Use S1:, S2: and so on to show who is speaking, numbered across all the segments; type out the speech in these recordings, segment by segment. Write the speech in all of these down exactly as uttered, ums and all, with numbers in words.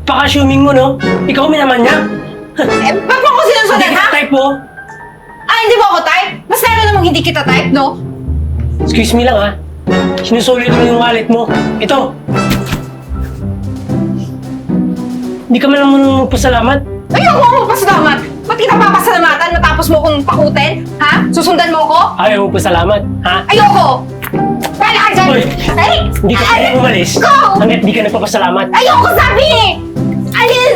S1: Paka-assuming mo, no? Ikaw minaman niya.
S2: Eh, ba't mo ako sinusunod,
S1: Hindi
S2: ha?
S1: ka type mo.
S2: Ah, hindi mo ako type? Mas lalo namang hindi kita type, no?
S1: Excuse me lang, ha? Sinusulit mo yung wallet mo. Ito. Hindi ka man naman magpasalamat.
S2: Ayoko ako magpasalamat! Ba't kita papasalamatan matapos mo kong pakutin? Ha? Susundan mo ako?
S1: Ayaw mo pasalamat, ha?
S2: Ayoko! Bala ka dyan!
S1: Hoy!
S2: Ay!
S1: Hindi ka pwede umalis
S2: Go!
S1: hanggat di ka nagpapasalamat.
S2: Ayoko sabi eh! Alis!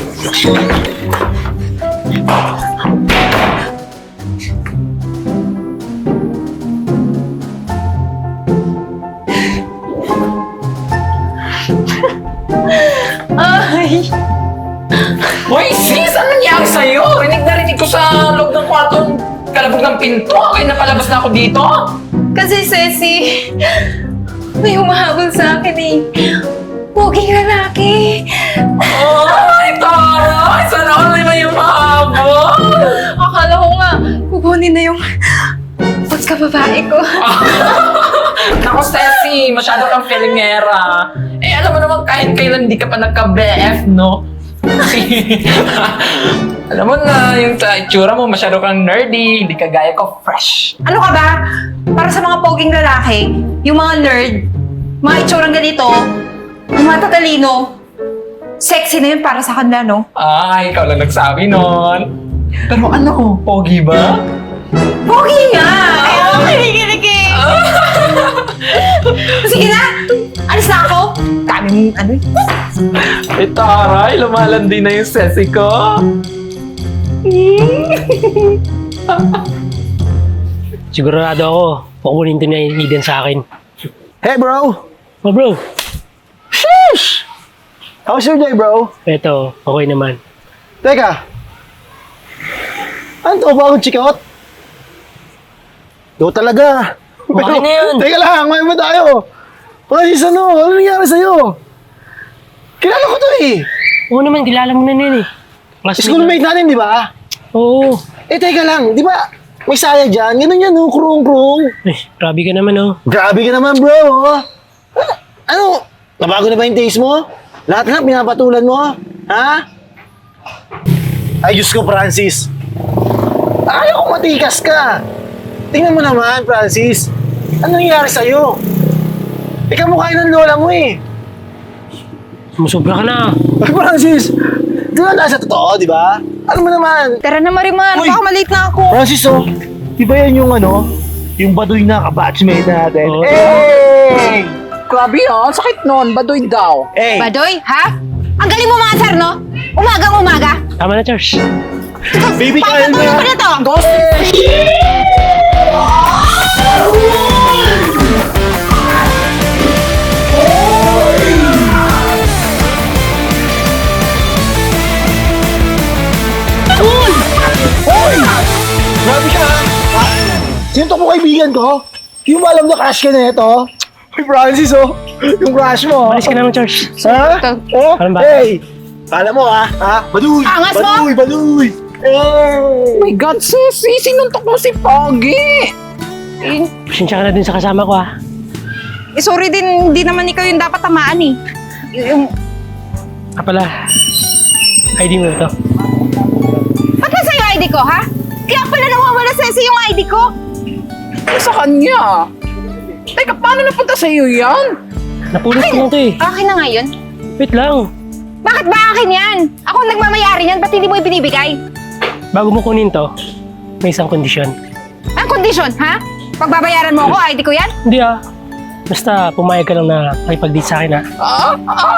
S2: Ay!
S3: Hoy, sis! Ano nangyari sa'yo? Rinig na rinig ko sa loob ng kwarto kalabog ng pinto. Kaya napalabas na ako dito.
S2: Kasi, Ceci, may humahabol sa akin eh. Poging lalaki.
S3: Ay, taray! Sana ako naman yung mahabol.
S2: Akala ko nga, kukunin na yung pagkababae ko.
S3: Naku, Ceci, masyado kang filingera. Eh, alam mo naman kahit kailan hindi ka pa nagka-B F, no? Alam mo na, yung sa itsura mo, masyado kang nerdy, hindi ka gaya ko fresh.
S2: Ano ka ba? Para sa mga poging lalaki, yung mga nerd, mga itsurang ganito, yung mga tatalino, sexy na yun para sa kanila, no?
S3: Ay, ikaw lang nagsabi nun. Pero ano, pogi ba?
S2: Pogi nga! Ay, ako kinikilig eh! Sige na! Alis na ako! Dami mong ano eh.
S3: Eh, taray, lumalandi na yung sesi ko.
S1: Sigurado ako, kukunin to ni Eden sa akin.
S4: Hey bro!
S1: Oh, bro.
S4: Sheesh! How's your day bro?
S1: Eto, okay naman.
S4: Teka! Ano to? Bagong chikot? Do talaga!
S1: Bakit na yan?
S4: Teka lang, may ba tayo? Francis, ano? Ano nangyari sa'yo? Kilala ko to eh!
S1: Oo naman, kilala mo na yun eh. Classmate
S4: Schoolmate natin, di ba?
S1: na. Oo.
S4: Eh, teka lang, di ba? May saya dyan, ganun yan, oh, krung-krung.
S1: Eh, grabe ka naman, oh.
S4: Grabe ka naman, bro, oh. Ah, Ano? Nabago na ba yung taste mo? Lahat-lahat pinapatulan mo? Ha? Ay, Diyos ko, Francis. Ayaw ko matikas ka. Tingnan mo naman, Francis. Ano nangyari sa'yo? Ikaw mukha ng lola mo eh.
S1: Sumusubra ka na.
S4: Ay, Francis, di ba nasa totoo, di ba? Ano mo naman?
S2: Tara na, Marimar.
S4: Uy!
S2: Baka malate na ako.
S4: Francis, oh, di ba yan yung ano? Yung baduy na kabatchmate natin?
S1: Oo.
S4: Hey!
S3: Grabe ah, sakit nun, baduy daw.
S4: Hey!
S2: Badoy, ha? Ang galing mo mga sir, no? Umagang umaga.
S1: Tama na, Charles.
S4: Baby, kain
S2: Papatuloy
S4: na!
S2: ko na to.
S4: Hoy! Grabe ka ha? Ha? Sino to po kaibigan ko? Yung ba alam na crush ka na ito? Hey Francis oh! Yung crush mo!
S1: Alis ka naman, Charles.
S4: Ha?
S2: Ito.
S4: Oh?
S1: Alam ba?
S4: Hey! Kala mo ha? Ha? Baduy!
S2: Angas mo!
S4: Baduy! Baduy!
S3: Oh
S4: Hey!
S3: my God, Ceci, sinuntok mo si Pogi.
S2: Eh,
S1: Pasensya ka na din sa kasama ko, ah.
S2: eh, sorry din, hindi naman ikaw yung dapat tamaan eh. Y- Yung,
S1: Ah, pala. I D mo ito.
S2: ba't nasa yung I D ko, ha? Kaya pala nawawala Ceci yung I D ko.
S3: Ano sa kanya? Teka, paano napunta sa iyo yan?
S1: Napulot ko lang to, eh.
S2: Akin na ngayon.
S1: Wait lang.
S2: Bakit ba akin yan? Ako ang nagmamayari yan, ba't hindi mo ibinibigay?
S1: Bago mo kunin to, may isang kondisyon.
S2: Ang kondisyon, ha? Pagbabayaran mo ako, I D ko yan?
S1: Hindi, ah. Basta pumayag ka lang na makipag-date sa akin, ah.
S3: Ah, ah!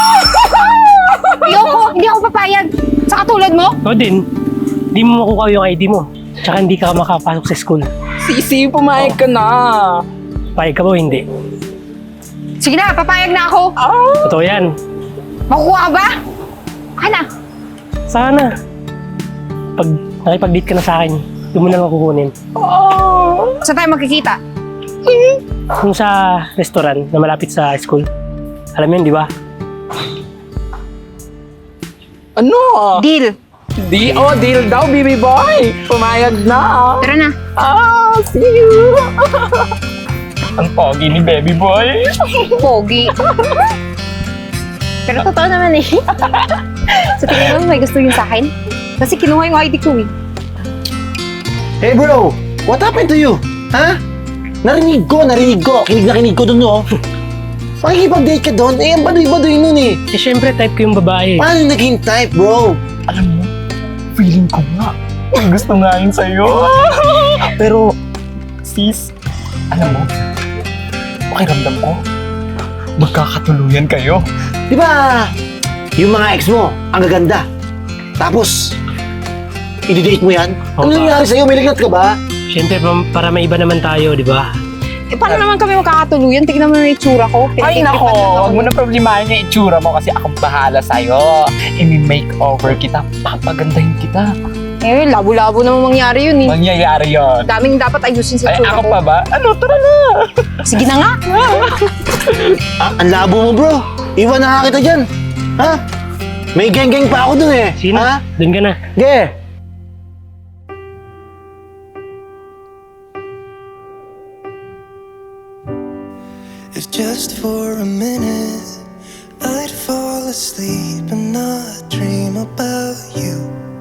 S2: Ayoko, hindi ako papayag. Sa katulad mo?
S1: Ikaw din, hindi mo makukuha yung I D mo. Tsaka hindi ka makapasok sa school.
S3: Sisi, pumayag ka na.
S1: Payag ka ba o hindi?
S2: Sige na, papayag na ako.
S3: Ah!
S1: Totoo yan.
S2: Makukuha ka ba? Akin na.
S1: Sana. Pag nakipag-date ka na sa akin, doon mo na lang kukunin.
S3: Ah!
S2: Saan tayo magkikita?
S1: Kung sa restaurant na malapit sa school. Alam mo yun, di ba?
S3: Ano?
S2: Deal.
S3: Di, oh, deal daw, baby boy. Pumayag na.
S2: Tara na.
S3: Ah, see you. Ang pogi ni baby boy.
S2: Pogi. Pero totoo naman eh. So tingin mo may gusto yun sa akin? Kasi kinuha yung I D ko eh.
S4: Hey bro, what happened to you? Ha? Narinig ko, narinig ko. Kinig na kinig ko dun, no? Pakikipag-date ka doon, eh, ang baduy-baduy nun eh.
S1: Eh, syempre, type ko yung babae.
S4: Paano naging type, bro?
S5: Alam mo, feeling ko nga. Ang gusto nga yun sa'yo. Pero, sis, alam mo, pakiramdam ko, magkakatuluyan kayo.
S4: Di ba, yung mga ex mo, ang gaganda. Tapos, i-date mo yan? Ano
S1: Opa.
S4: nangyari sa'yo? May lagnat ka ba?
S1: Syempre, pa- para may iba naman tayo, di ba?
S2: Eh paano naman kami magkakatuluyan? Tignan mo yung itsura ko.
S5: Ay
S2: Pinag-itripan
S5: nako,
S2: lang ako.
S5: huwag mo na problemahin yung itsura mo kasi akong bahala sa'yo. I-makeover kita, papagandahin kita.
S2: Eh, labo-labo naman mangyari yun eh.
S5: Mangyayari yun.
S2: Daming dapat ayusin sa
S5: Ay,
S2: itsura
S5: ako
S2: ko.
S5: pa ba? Ano, tara na.
S2: Sige na nga.
S4: Ah, ang labo mo, bro. Iwan na nga kita dyan. Ha? May geng-geng pa ako dun eh.
S1: Sino?
S4: Ha?
S1: Doon ka na.
S4: Ge.
S6: If just for a minute I'd fall asleep and not dream about you.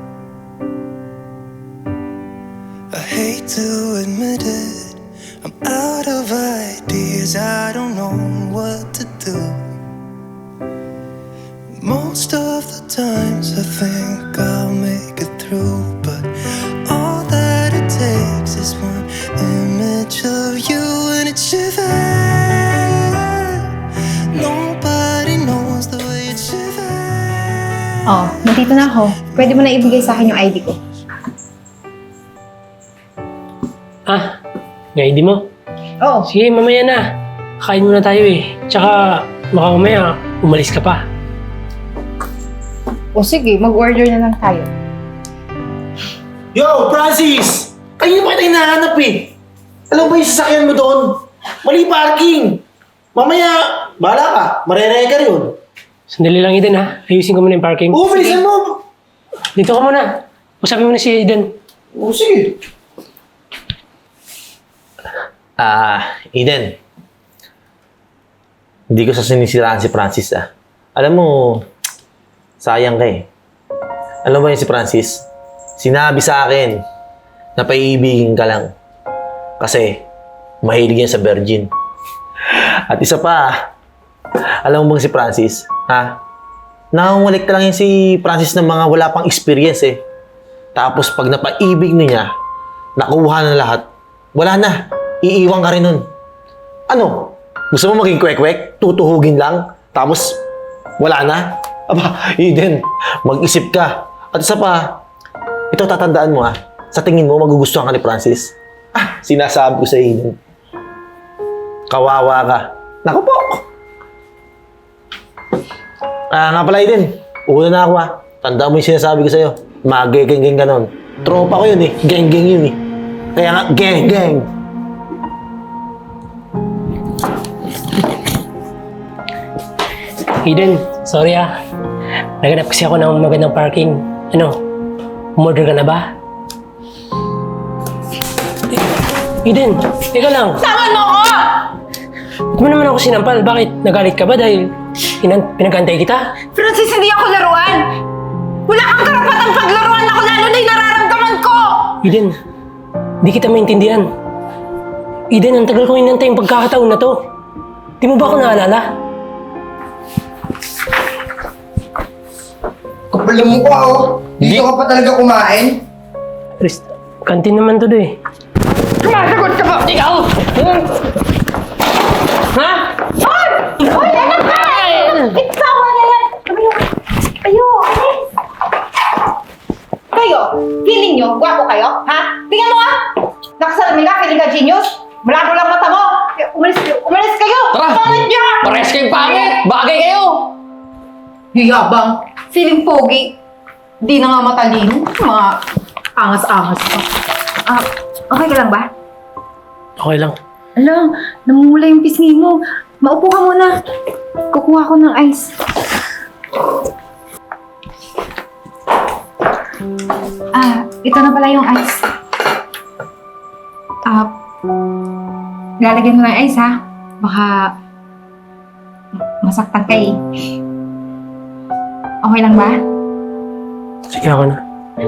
S6: I hate to admit it, I'm out of ideas, I don't know what to do. Most of the times I think I'll make it through, but all that it takes is one image of you and it shivers. Nobody knows the way it shivers.
S2: Oh, nandito na ako. Pwede mo na ibigay sa akin yung I D ko.
S1: Ah, yung I D mo?
S2: Oo.
S1: Sige, mamaya na. Kain muna tayo eh. Tsaka, baka mamaya, umalis ka pa.
S2: O sige, mag-order na lang tayo.
S4: Yo, Francis! Kanina pa kita hinahanap eh. Alam ba yung sasakyan mo doon? Mali parking. Mamaya, bahala ka. Marereye ka rin.
S1: Sandali lang, Eden ha. Ayusin ko muna yung parking.
S4: Oo, bilisan mo.
S1: Dito ka muna. Usapin mo na si Eden.
S4: Oo, sige. Ah, Eden. Hindi ko sa sinisiraan si Francis ah. Alam mo, sayang ka eh. Alam mo yun si Francis? Sinabi sa akin na paiibigin ka lang. Kasi, mahilig yan sa virgin. At isa pa, alam mo bang si Francis, ha? Nangungulik lang yan si Francis ng mga wala pang experience eh. Tapos pag napaibig niya, nakuha na lahat, wala na. Iiwan ka rin nun. Ano? Gusto mo maging kwek-kwek? Tutuhugin lang? Tapos, wala na? Aba, Eden, mag-isip ka. At isa pa, ito tatandaan mo ah. Sa tingin mo, magugustuhan ka ni Francis? Ah, sinasabi ko sa Eden. Kawawa ka. Naku po! Ah, nga pala Eden. Una na ako ah. Tandaan mo yung sinasabi ko sa'yo. Mag-geng-geng ka nun. Tropa ko yun eh. Geng-geng yun eh. Kaya nga, geng-geng.
S1: Eden, sorry ah. Naganap kasi ako ng magandang parking. Ano, umorder ka na ba? Eden, teka lang.
S2: Saman mo ko!
S1: Ba't mo naman ako sinampal? Bakit? Nagalit ka ba dahil pinan- pinagantay kita?
S2: Francis, hindi ako laruan! Wala kang karapatang paglaruan ako, lalo na yung nararamdaman ko!
S1: Eden, di kita maintindihan. Eden, ang tagal kong inantay yung pagkakataon na to. Di mo ba ako naalala?
S7: Kapal mo ko oh. Dito ka pa talaga kumain?
S1: Rest, kantin naman to do eh.
S3: Sumasagot ka ba? Ikaw! Ha?
S2: Hoy! Hoy, anak ka! Ikawa na yan! Kayo! Kayo! Alis! Kayo! Feeling nyo? Gwapo kayo? Ha? Tingnan mo ah! Nakasalamin ka, feeling ka genius? Malabo lang mata mo! Umalis, umalis kayo!
S3: Tara!
S2: Pangit niya!
S3: Pares kayong pangit! Bagay kayo!
S2: Yabang! Feeling pogi! Di na nga matalino. Mga angas-angas pa. Ah, okay ka lang ba?
S1: Okay lang.
S2: Alam, namumula yung pisngi mo. Maupo ka muna. Kukuha ko ng ice. Ah, ito na pala yung ice. Ah, lalagyan mo ng ice ha. Baka masaktan ka eh. Okay lang ba?
S1: Sige ako na.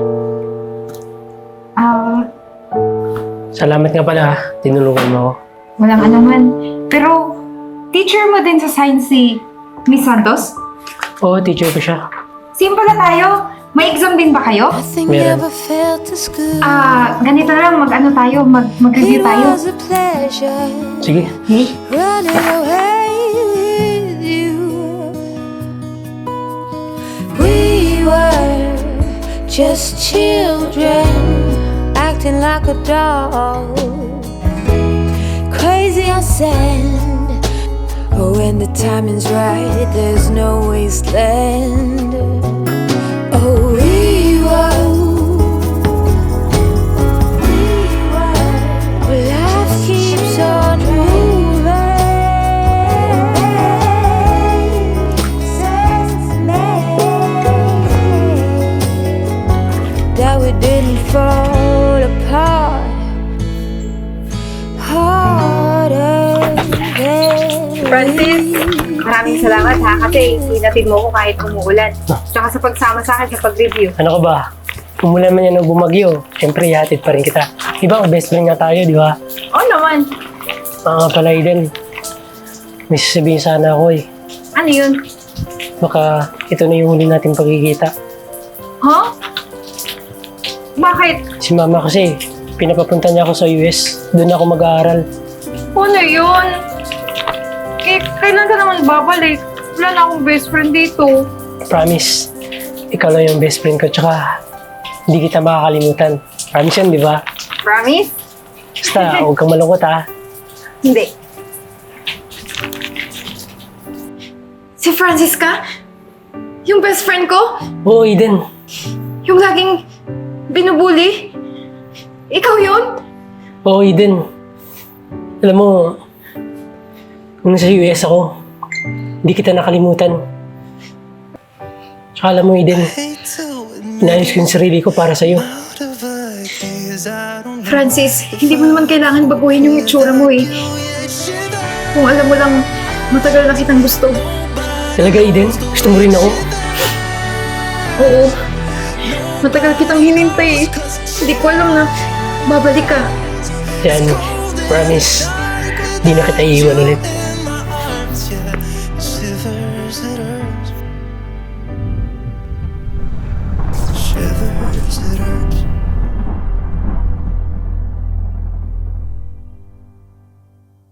S2: Ah,
S1: Salamat nga pala ha. Tinulungan mo ako.
S2: walang anuman. Pero, teacher mo din sa science si Miss Santos?
S1: Oo, teacher ko siya.
S2: Same pala tayo. May exam din ba kayo?
S6: Nothing
S1: Meron.
S6: ever felt as good.
S2: Ah, ganito lang. Mag-ano tayo? Mag- mag-review
S6: It
S2: tayo.
S6: was a pleasure
S1: Sige.
S2: Okay?
S6: running away with you. We were just children acting like a doll, crazy on sand. But when the timing's right, there's no wasteland. Oh, we were, we were. Life keeps on moving. Says it's amazing that we didn't fall apart harder than
S2: Francis, maraming salamat ha kasi hinatid mo ko kahit umuulan. Tsaka sa pagsama sa akin sa pag-review.
S1: Ano ka ba? Umulan man yan o bumagyo, siyempre ihatid pa rin kita. Di ba, best friend nga tayo, di ba?
S2: Oo naman.
S1: Mga nga pala Eden, may sasabihin sana ako eh.
S2: Ano yun?
S1: Baka ito na yung huli natin pagkikita.
S2: Huh? Bakit?
S1: Si mama kasi, pinapapunta niya ako sa U S. Doon ako mag-aaral.
S2: Ano yun? Eh, kailan ka naman babalik? Wala na akong best friend dito.
S1: Promise, ikaw lang yung best friend ko. Tsaka, hindi kita makakalimutan. Promise yan, di ba?
S2: Promise?
S1: Basta, huwag kang malungkot ha.
S2: Hindi. Si Francisca? Yung best friend ko?
S1: Oo, Eden.
S2: Yung laging binubuli? Ikaw yun?
S1: Oo, Eden. Alam mo, nung nasa U S ako, hindi kita nakalimutan. Tsaka alam mo, Eden,
S6: hate to admit
S1: inayos ko yung sarili ko para sa'yo.
S6: out of ideas I don't know.
S2: Francis, hindi mo naman kailangan baguhin yung itsura mo eh. Kung alam mo lang, matagal na kitang gusto.
S1: Talaga, Eden? Gusto mo rin ako?
S2: Oo. Matagal kitang hinintay eh. Hindi ko alam na babalik ka.
S1: Yan, promise, di na kita iiwan ulit.